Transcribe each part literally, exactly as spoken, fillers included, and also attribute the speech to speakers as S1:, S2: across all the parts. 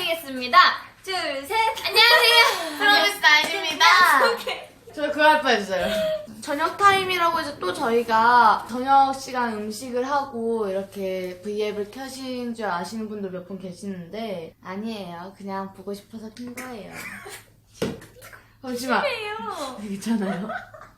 S1: 인사드리겠습니다. 둘, 셋. 안녕하세요. 프로미스 나인입니다.
S2: 저 그거 할 뻔했어요. 저녁 타임이라고 해서 또 저희가 저녁 시간 음식을 하고 이렇게 브이앱을 켜신 줄 아시는 분도 몇 분 계시는데 아니에요. 그냥 보고 싶어서 킨 거예요. 잠시만. 괜찮아요?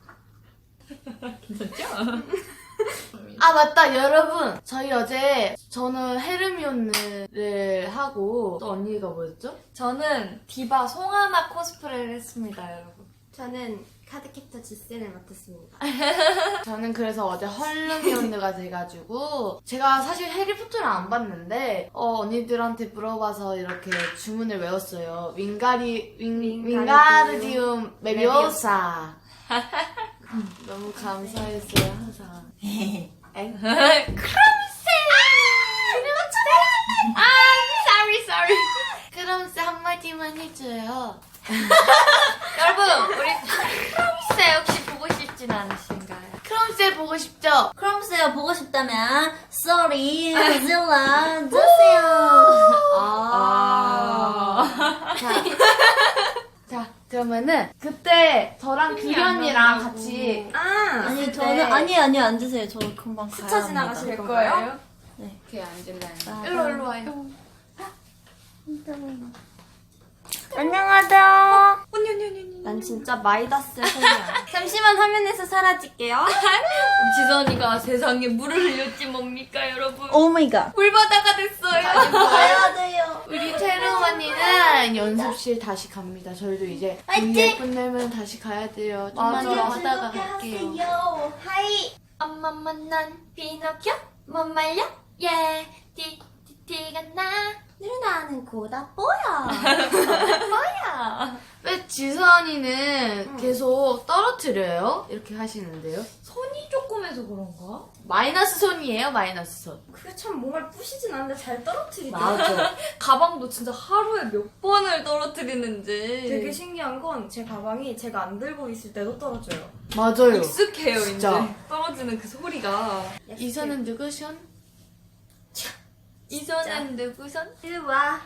S1: 괜찮죠?
S2: 아 맞다 여러분, 저희 어제 저는 헤르미온느를 하고 또 언니가 뭐였죠?
S1: 저는 디바 송하나 코스프레를 했습니다, 여러분.
S3: 저는 카드캡터 지센을 맡았습니다.
S2: 저는 그래서 어제 헐르미온느가 돼가지고 제가 사실 해리포터를 안 봤는데 어, 언니들한테 물어봐서 이렇게 주문을 외웠어요. 윙가리 윙, 윙가르디움 메비오사. 너무 감사했어요 항상. 엥?
S1: 크럼스! 아, sorry, sorry.
S2: 크럼스 한마디만 해줘요.
S1: 여러분, 우리 크럼스 혹시 보고 싶진 않으신가요?
S2: 크럼스 보고 싶죠?
S3: 크럼스요 보고 싶다면 sorry 고질라 주세요.
S2: 아. 자, 자 그러면은 그때 저랑 규리 언니랑 같이
S3: 아 아니
S2: 있을
S3: 저는
S2: 때
S3: 아니 아니요 앉으세요. 저 금방 가야
S1: 스쳐
S3: 합니다.
S1: 지나가실 거예요?
S2: 이렇게 앉을래.
S1: 일로, 일로 와요.
S3: 안녕하세요.
S1: 언니, 언니, 언니, 언니.
S3: 난 진짜 마이다스 소녀야. 잠시만 화면에서 사라질게요.
S1: 지선이가 세상에 물을 흘렸지 뭡니까, 여러분?
S3: 오 마이 갓.
S1: 물바다가 됐어요.
S3: 가야 돼요.
S2: 우리 태릉 언니는 연습실 다시 갑니다. 저희도 이제
S3: 화이팅!
S2: 브이앱 끝내면 다시 가야 돼요. 좀만 더
S1: 맞아.
S2: 하다가 갈게요.
S3: 하이.
S1: 엄마 만난 피노키오 못 말려 예 티, 티, 티가 나
S3: 누나는 고다 뽀야.
S1: 뭐야
S2: 왜 지선이는 계속 떨어뜨려요? 이렇게 하시는데요?
S1: 손이 조금해서 그런가?
S2: 마이너스 손이에요, 마이너스 손.
S3: 그게 참 뭔가를 부시진 않는데 잘 떨어뜨리다.
S2: 맞아.
S1: 가방도 진짜 하루에 몇 번을 떨어뜨리는지
S4: 되게 신기한 건 제 가방이 제가 안 들고 있을 때도 떨어져요.
S2: 맞아요.
S1: 익숙해요
S2: 진짜.
S1: 이제 떨어지는 그 소리가
S2: 이선은 누구션?
S1: 이전엔 누구선?
S3: 이리 와.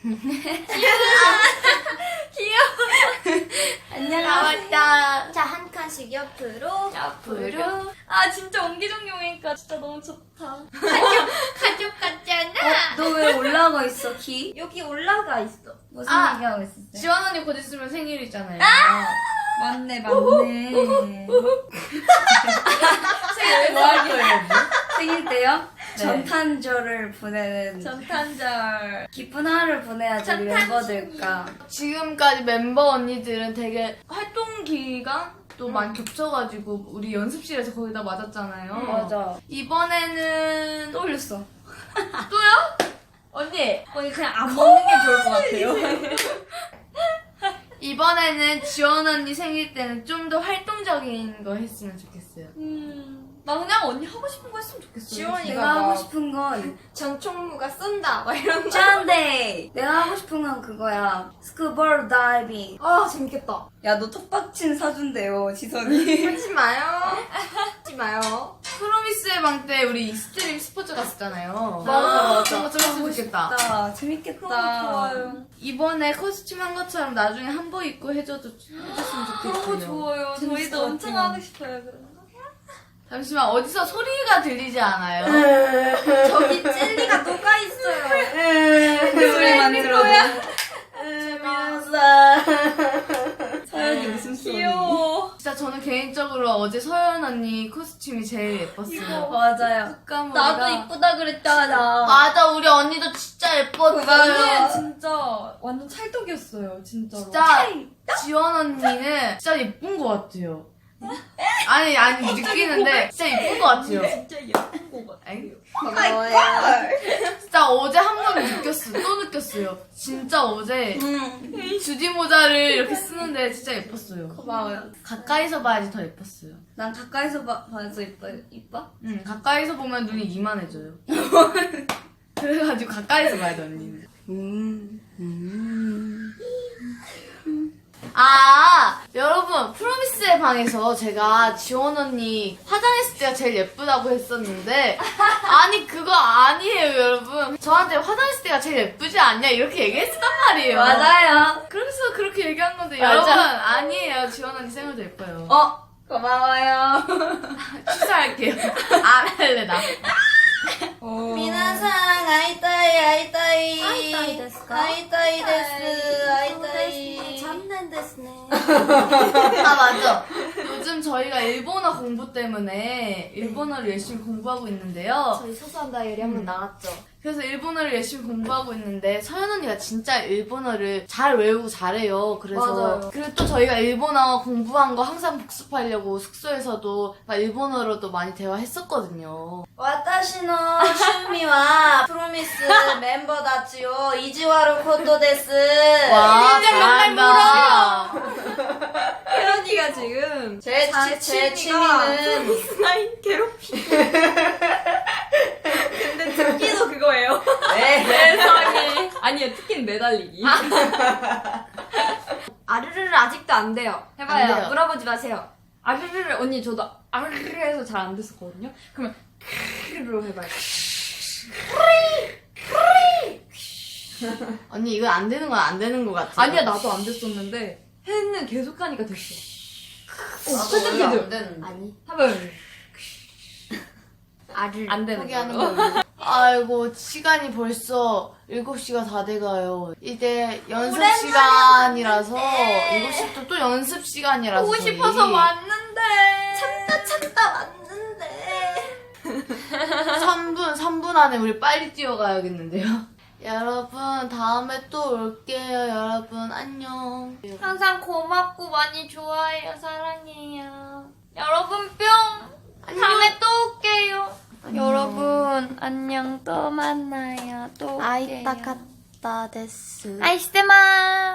S2: 나왔다.
S3: 자, 한 칸씩 옆으로.
S1: 앞으로 아 진짜 옹기종기 오니까 진짜 너무 좋다 가족 가족 같잖아
S3: 너 왜 올라가 있어, 키?
S4: 여기 올라가 있어.
S3: 무슨
S2: 아,
S3: 얘기하고 있었어요?
S2: 지원 언니 곧 있으면 생일이잖아요.
S3: 맞네, 맞네.
S1: 생일 뭐 할 거예요?
S3: 생일 때요?
S2: 네.
S3: 전탄절을 보내는
S1: 전탄절
S3: 기쁜 하루를 보내야죠, 우리 멤버들과.
S2: 지금까지 멤버 언니들은 되게 활동 기간도 많이 겹쳐가지고 우리 연습실에서 거의 다 맞았잖아요.
S3: 맞아.
S2: 이번에는
S1: 또 올렸어 또요? 언니 언니 그냥 안 먹는 게 좋을 것 같아요
S2: 이번에는 지원 언니 생일 때는 좀 더 활동적인 거 했으면 좋겠어요.
S1: 음, 나 그냥 언니 하고 싶은 거 했으면 좋겠어요.
S4: 지원이가
S3: 내가 하고
S4: 막
S3: 싶은 건
S4: 전총무가 쏜다 막 이런 거.
S3: 짠데! 내가 하고 싶은 건 그거야. 스쿠버 다이빙.
S4: 아 재밌겠다.
S3: 야, 너 톱박친 사준대요, 지선이.
S4: 하지 마요. 하지 마요.
S2: 프로미스의 방 때 우리 익스트림 스포츠 갔었잖아요.
S3: 맞아, 맞아.
S2: 그런 거좀 했으면 좋겠다.
S3: 아, 재밌겠다.
S1: 좋아요.
S2: 이번에 코스튬 한 것처럼 나중에 한복 입고 해줘도 해줬으면 좋겠어요.
S1: 너무 좋아요.
S3: 재밌을
S1: 저희도
S3: 것
S1: 엄청
S3: 같아요.
S1: 하고 싶어요. 그런 거.
S2: 잠시만, 어디서 소리가 들리지 않아요?
S4: 저기 젤리가 녹아 있어요.
S3: 그 소리만 들어도. 서연이 웃음소리.
S1: 귀여워.
S2: 진짜 저는 개인적으로 어제 서연 언니 코스튬이 제일 예뻤어요.
S3: 맞아요.
S2: 깜머리가.
S3: 나도 이쁘다 그랬잖아.
S2: 맞아, 우리 언니도 진짜 예뻤어요.
S1: 언니는 진짜 완전 찰떡이었어요. 진짜로.
S2: 진짜 지원 언니는 진짜 예쁜 것 같아요. 아니, 아니, 느끼는데 진짜 예쁜 것 같아요.
S1: 진짜 예쁜 거 같아.
S2: 엥?
S3: 고마워요.
S2: 진짜 어제 한 번 느꼈어. 또 느꼈어요. 진짜 어제
S3: 응.
S2: 주디 모자를 이렇게 쓰는데 진짜 예뻤어요.
S3: 고마워요.
S2: 가까이서 봐야지 더 예뻤어요.
S3: 난 가까이서 봐, 봐서 이뻐, 이뻐?
S2: 응, 가까이서 보면 눈이 이만해져요. 그래가지고 가까이서 봐야 돼, 언니는.
S3: 음, 음.
S2: 아, 여러분, 프로미스의 방에서 제가 지원 언니 화장했을 때가 제일 예쁘다고 했었는데, 아니, 그거 아니에요, 여러분. 저한테 화장했을 때가 제일 예쁘지 않냐? 이렇게 얘기했단 말이에요.
S3: 맞아요.
S2: 그래서 그렇게 얘기한 건데,
S3: 맞아.
S2: 여러분, 아니에요. 지원 언니 생얼도 예뻐요.
S3: 어, 고마워요.
S2: 취소할게요. 안 할래, 나.
S3: 미나상, 아이따이, 아이따이.
S1: 아이따이 데스까?
S3: 아이따이 데스, 아이따이.
S1: 잡는 데스네.
S2: 아, 맞아. 요즘 저희가 일본어 공부 때문에 일본어를 열심히 공부하고 있는데요.
S1: 저희 소소한 다이어리 한번 나왔죠.
S2: 그래서 일본어를 열심히 공부하고 있는데 서연 언니가 진짜 일본어를 잘 외우고 잘해요. 그래서
S1: 맞아요.
S2: 그리고 또 저희가 일본어 공부한 거 항상 복습하려고 숙소에서도 막 일본어로도 많이 대화했었거든요.
S3: 私の趣味はプロミスメンバーたちを意地悪ることです。
S2: 와, 잘한다.
S4: 혜연이가 지금
S3: 제,
S4: 자,
S3: 치, 제
S4: 취미가
S3: 취미는
S4: 스나인 괴롭히기. 근데 특기도 그거예요.
S3: 네.
S4: 세상에. 아니요, 특기는 매달리기. 아르르를 아직도 안 돼요. 해봐요.
S2: 안 돼요.
S4: 물어보지 마세요. 아르르를 언니 저도 아르르 해서 잘 안 됐었거든요. 그러면 크르로 해봐요.
S2: 언니 이거 안 되는 건 안 되는 것 같아.
S4: 아니야, 나도 안 됐었는데 혜는 계속 하니까 됐어. 어,
S3: 나도
S4: 살짝
S3: 원래 안
S4: 해도.
S3: 되는데.
S1: 아니.
S4: 해봐요.
S1: 알을
S4: 안 되는
S2: 포기하는
S4: 걸로.
S2: 걸로. 아이고, 시간이 벌써 일곱 시가 다 돼가요. 이제 연습 시간이라서, 일곱 시부터 또 연습 시간이라서.
S1: 보고
S2: 저희.
S1: 싶어서 왔는데.
S3: 참다 참다 왔는데.
S2: 삼 분, 삼 분 안에 우리 빨리 뛰어가야겠는데요. 여러분, 다음에 또 올게요. 여러분, 안녕.
S1: 항상 고맙고 많이 좋아해요. 사랑해요. 여러분 뿅. 다음에 또 올게요. 여러분 안녕. 또 만나요. 또 올게요.
S3: 아이따 카따 데스.
S1: 아이스테마.